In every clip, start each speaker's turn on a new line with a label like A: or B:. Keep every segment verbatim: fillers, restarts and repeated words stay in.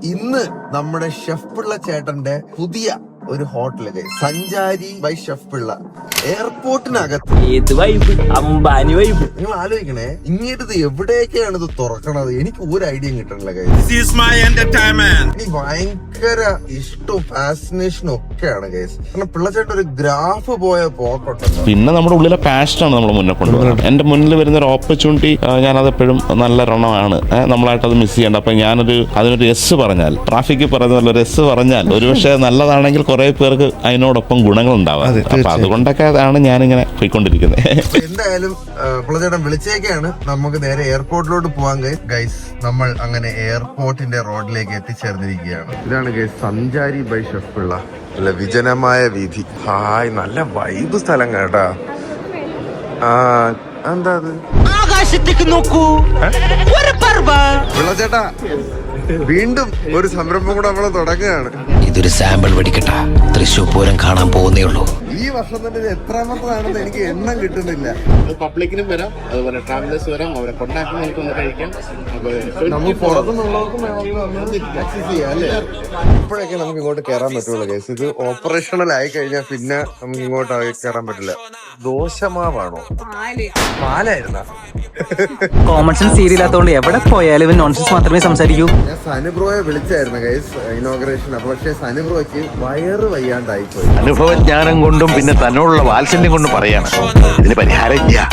A: ഇന്ന് നമ്മുടെ ഷെഫ് പിള്ള ചേട്ടന്റെ പുതിയ ഒരു ഹോട്ടല് സഞ്ചാരി ബൈ ഷെഫ് പിള്ള എയർപോർട്ടിനകത്ത്.
B: ഏത് വൈബ്, അംബാനി വൈബ്.
A: നിങ്ങൾ ആലോചിക്കണേ, ഇങ്ങോട്ട് തുറക്കണത് ഇത് തുറക്കണത് എനിക്ക് ഒരു ഐഡിയ കിട്ടണില്ല. എനിക്ക് ഭയങ്കര ഇഷ്ടവും ഫാസിനേഷനും ഒക്കെയാണ് ഗൈസ്. കാരണം പിള്ളച്ചേട്ടൻ ഒരു ഗ്രാഫ് പോയ പോക്കോട്ടല്ലോ.
C: പിന്നെ നമ്മുടെ ഉള്ളിലെ പാഷനാണ് നമ്മൾ മുന്നേ കൊണ്ടുപോകുന്നത്. എന്റെ മുന്നിൽ വരുന്ന ഒരു ഓപ്പർച്യൂണിറ്റി ഞാനത് എപ്പോഴും നല്ല റണ്ണമാണ്, നമ്മളായിട്ട് അത് മിസ് ചെയ്യേണ്ട. അപ്പൊ ഞാനൊരു അതിനൊരു എസ് പറഞ്ഞാൽ, ട്രാഫിക് പറയുന്ന ഒരു എസ് പറഞ്ഞാൽ ഒരുപക്ഷെ നല്ലതാണെങ്കിൽ കുറെ പേർക്ക് അതിനോടൊപ്പം ഗുണങ്ങൾ ഉണ്ടാവാം. അപ്പൊ അതുകൊണ്ടൊക്കെ ആണ് ഞാനിങ്ങനെ പോയിക്കൊണ്ടിരിക്കുന്നത്.
A: എന്തായാലും പിള്ളച്ചേട്ടൻ വിളിച്ചേക്കാണ്, നമുക്ക് നേരെ എയർപോർട്ടിലോട്ട് പോവാൻ ഗൈസ്. നമ്മൾ അങ്ങനെ എയർപോർട്ടിന്റെ റോഡിലേക്ക് എത്തിച്ചേർന്നിരിക്കുകയാണ്. ഇതാണ് ഗൈസ് സഞ്ചാരി ബൈ ഷെഫ് പിള്ള. അല്ല, വിജനമായ വീഥി. ഹായ്, നല്ല വൈബ് സ്ഥലം കേട്ടാ. ആ എന്താ അത്,
B: ആകാശത്തേക്ക് നോക്കൂ,
A: പിള്ളച്ചേട്ടാ വീണ്ടും ഒരു സംരംഭം കൂടെ നമ്മള് തുടങ്ങുകയാണ്.
D: ഇതൊരു സാമ്പിൾ വെടിക്കട്ട, തൃശ്ശൂർ പൂരം കാണാൻ പോകുന്നേ ഉള്ളൂ.
A: ഈ വർഷം തന്നെ ഇത് എത്രാമത്തതാണെന്ന് എനിക്ക് എണ്ണം കിട്ടുന്നില്ല.
E: പബ്ലിക്കിനും വരാം, അതുപോലെ ട്രാവലേഴ്സ് വരാം, അവരെ കൊണ്ടാക്കി നമുക്കൊന്ന് കഴിക്കാം.
A: നമുക്ക് പുറത്തുനിന്നുള്ളവർക്കും ആക്സസ് ചെയ്യാം അല്ലേ? ഇപ്പോഴൊക്കെ നമുക്ക് ഇങ്ങോട്ട് കയറാൻ പറ്റുള്ളൂ കേസ്. ഇത് ഓപ്പറേഷണൽ ആയി കഴിഞ്ഞാൽ പിന്നെ നമുക്ക് ഇങ്ങോട്ട് കയറാൻ പറ്റില്ല. ദോശമാവാണോ, പാലായിരുന്ന?
B: കോമൺ സെൻസ് സീരിയലാത്തോണ്ട് എവിടെ പോയാലും ഇവൻ നോൺസെൻസ് മാത്രമേ സംസാരിക്കൂ.
A: ഞാൻ സനുബ്രോയെ വിളിച്ചായിരുന്നു ഗൈസ് ഇനോഗ്രേഷൻ. അപ്പൊ പക്ഷെ സനുബ്രോയ്ക്ക് വയറ് വയ്യാണ്ടായി പോയി.
F: അനുഭവജ്ഞാനം കൊണ്ടും പിന്നെ തന്നോടുള്ള വാത്സല്യം കൊണ്ടും പറയാണ് ഇതിന് പരിഹാരം.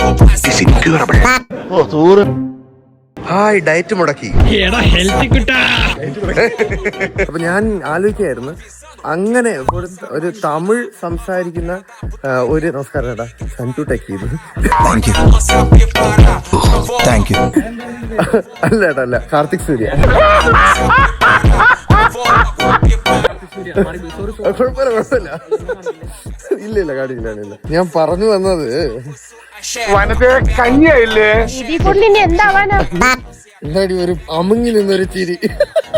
A: ഹായ്, ഡയറ്റ് മുടക്കി. അപ്പൊ ഞാൻ ആലോചിക്കായിരുന്നു, അങ്ങനെ ഒരു തമിഴ് സംസാരിക്കുന്ന ഒരു നമസ്കാരം ചേട്ടാ, സഞ്ജു ടെക് ചെയ്തു. അല്ല ചേട്ടാ, അല്ല, കാർത്തിക് സൂര്യ. കുഴപ്പമില്ല കുഴപ്പമില്ല, ഇല്ല ഇല്ല കാണില്ല. ഞാൻ പറഞ്ഞു വന്നത്
G: കഞ്ഞിയായില്ലേ
A: എന്താടി ഒരു അമുങ്ങി നിന്നൊരു ചിരി.